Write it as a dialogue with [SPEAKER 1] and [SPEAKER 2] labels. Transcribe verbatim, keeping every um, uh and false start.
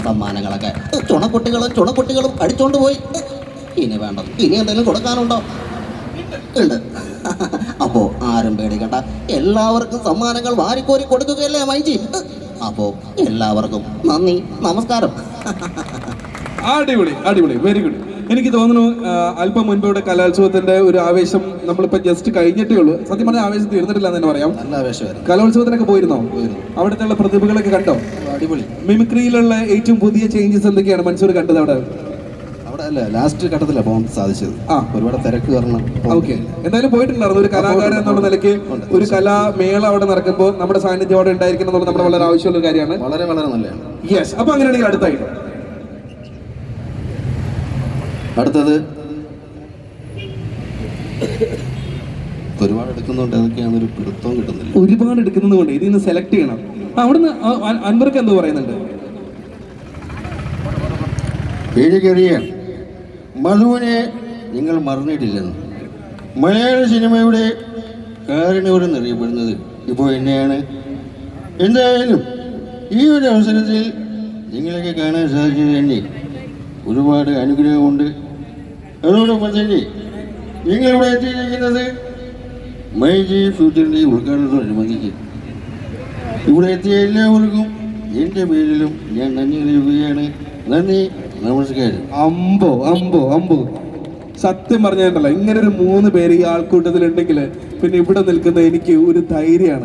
[SPEAKER 1] സമ്മാനങ്ങളൊക്കെ ചുണക്കുട്ടികളും ചുണക്കുട്ടികളും അടിച്ചോണ്ട് പോയി. ഇനി വേണ്ട, ഇനി എന്തെങ്കിലും കൊടുക്കാനുണ്ടോ? ഉണ്ട്. അപ്പോ ആരും പേടിക്കണ്ട, എല്ലാവർക്കും സമ്മാനങ്ങൾ വാരിക്കോരി കൊടുക്കുകയല്ലേ മൈജി. അപ്പോ എല്ലാവർക്കും നന്ദി, നമസ്കാരം.
[SPEAKER 2] അടിപൊളി അടിപൊളി, വെരി ഗുഡ്. എനിക്ക് തോന്നുന്നു അല്പം മുൻപ് ഇവിടെ കലോത്സവത്തിന്റെ ഒരു ആവേശം നമ്മളിപ്പോ ജസ്റ്റ് കഴിഞ്ഞിട്ടേ ഉള്ളൂ. സത്യം പറഞ്ഞാൽ ആവേശം തീർന്നിട്ടില്ല എന്ന് തന്നെ പറയാം.
[SPEAKER 1] നല്ല ആവേശമായിരുന്നു.
[SPEAKER 2] കലോത്സവത്തിനൊക്കെ പോയിരുന്നോ? അവിടുത്തെ പ്രതിഭകളൊക്കെ കണ്ടോ?
[SPEAKER 1] അടിപൊളി.
[SPEAKER 2] മിമിക്രിയിലുള്ള ഏറ്റവും പുതിയ ചേഞ്ചസ് എന്തൊക്കെയാണ് മൻസൂർ കണ്ടത് അവിടെ?
[SPEAKER 1] അവിടെ അല്ല, ലാസ്റ്റ് ഘട്ടത്തിലാണ് പോകാൻ സാധിച്ചത്. ആ, ഒരുപാട് തിരക്ക് കാരണം.
[SPEAKER 2] ഓക്കെ, എന്തായാലും പോയിട്ടുണ്ടായിരുന്നു. ഒരു കലാകാരൻ എന്നുള്ള നിലയ്ക്ക് ഒരു കലാമേള അവിടെ നടക്കുമ്പോൾ നമ്മുടെ സാന്നിധ്യം അവിടെ ഉണ്ടായിരിക്കണം എന്നുള്ളത് നമ്മുടെ വളരെ ആവശ്യമുള്ള ഒരു കാര്യമാണ്. വളരെ വളരെ നല്ലതാണ്. യെസ്. അപ്പൊ അങ്ങനെയാണെങ്കിൽ അടുത്തായിട്ട് അടുത്തത് ഒരുപാട് എടുക്കുന്നുണ്ട്, അതൊക്കെയാണ് ഒരു പിടുത്തവും കിട്ടുന്നില്ല. ഒരുപാട് എടുക്കുന്നത് കൊണ്ട് ഇതിൽ നിന്ന് സെലക്ട് ചെയ്യണം. അവിടുന്ന് അൻവർക്ക് എന്തോ പറയുന്നുണ്ട്.
[SPEAKER 3] പേടിക്കറിയാം, മധുവിനെ നിങ്ങൾ മറന്നിട്ടില്ലെന്ന്. മലയാള സിനിമയുടെ കാരണവരെന്നറിയപ്പെടുന്നത് ഇപ്പോൾ എന്നെയാണ്. എന്തായാലും ഈ ഒരു അവസരത്തിൽ നിങ്ങളൊക്കെ കാണാൻ സാധിച്ചത് തന്നെ ഒരുപാട് അനുഗ്രഹമുണ്ട്. അതോടൊപ്പം തന്നെ നിങ്ങളിവിടെ എത്തിയിരിക്കുന്നത് മൈജി ഫ്യൂച്ചറിൻ്റെ ഉദ്ഘാടനത്തോടനുബന്ധിച്ച് ഇവിടെ എത്തിയ എല്ലാവർക്കും എൻ്റെ പേരിലും ഞാൻ നന്ദി അറിയിക്കുകയാണ്. നന്ദി, നമസ്കാരം.
[SPEAKER 2] അമ്പോ അമ്പോ അമ്പോ, സത്യം പറഞ്ഞിട്ടുണ്ടല്ലോ, ഇങ്ങനെ ഒരു മൂന്ന് പേര് ഈ ആൾക്കൂട്ടത്തിലുണ്ടെങ്കിൽ പിന്നെ ഇവിടെ നിൽക്കുന്ന എനിക്ക് ഒരു ധൈര്യമാണ്.